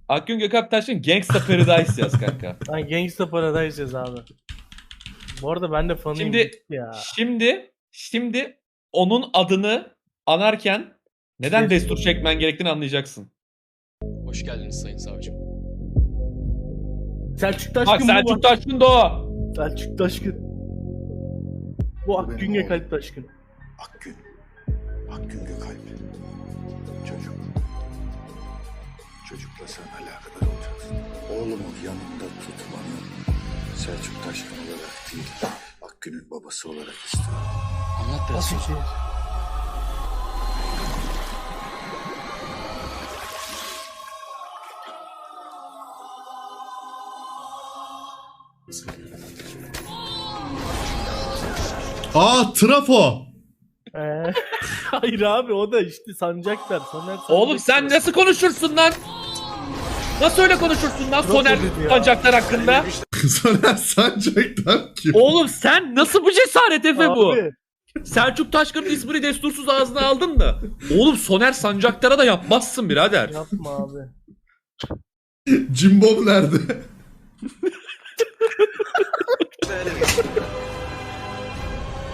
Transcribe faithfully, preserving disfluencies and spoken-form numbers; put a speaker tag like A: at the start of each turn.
A: Akgün Gökalp Taşkın Gangsta Paradise yaz kanka.
B: Lan Gangsta Paradise yaz abi. Bu arada ben de fanıyım
A: Şimdi
B: ya.
A: şimdi şimdi onun adını anarken neden
B: Şey-
A: destur çekmen gerektiğini anlayacaksın.
C: Hoş geldiniz sayın savcım.
B: Selçuk
A: Bak
B: Taşkın bu
A: Selçuk
B: bak.
A: Taşkın da o.
B: Selçuk Taşkın. Bu Akgün Gökalp Taşkın.
D: Akgün. Akgün Gökalp. Çocuk. Çocukla sen alakadar olacaksın. Oğlumu yanında tutmanı Selçuk Taşkın olarak değil, Akgün'ün babası olarak istiyorum.
C: Anlat biraz
B: Nasıl
C: sonra.
B: şey?
E: Aa trafo.
B: Ee, hayır abi o da işte Sancaktar. Soner
A: Oğlum sen nasıl konuşursun lan? Nasıl öyle konuşursun lan Soner
B: dedi ya.
A: Sancaktar hakkında?
E: Soner Sancak'tan kim?
A: Oğlum sen nasıl bu cesaret Efe bu?
B: Abi,
A: Selçuk Taşkın'ın ismini destursuz ağzına aldın da. Oğlum Soner Sancaktar'a da yapmazsın birader.
B: yapma abi.
E: Cimbom nerede?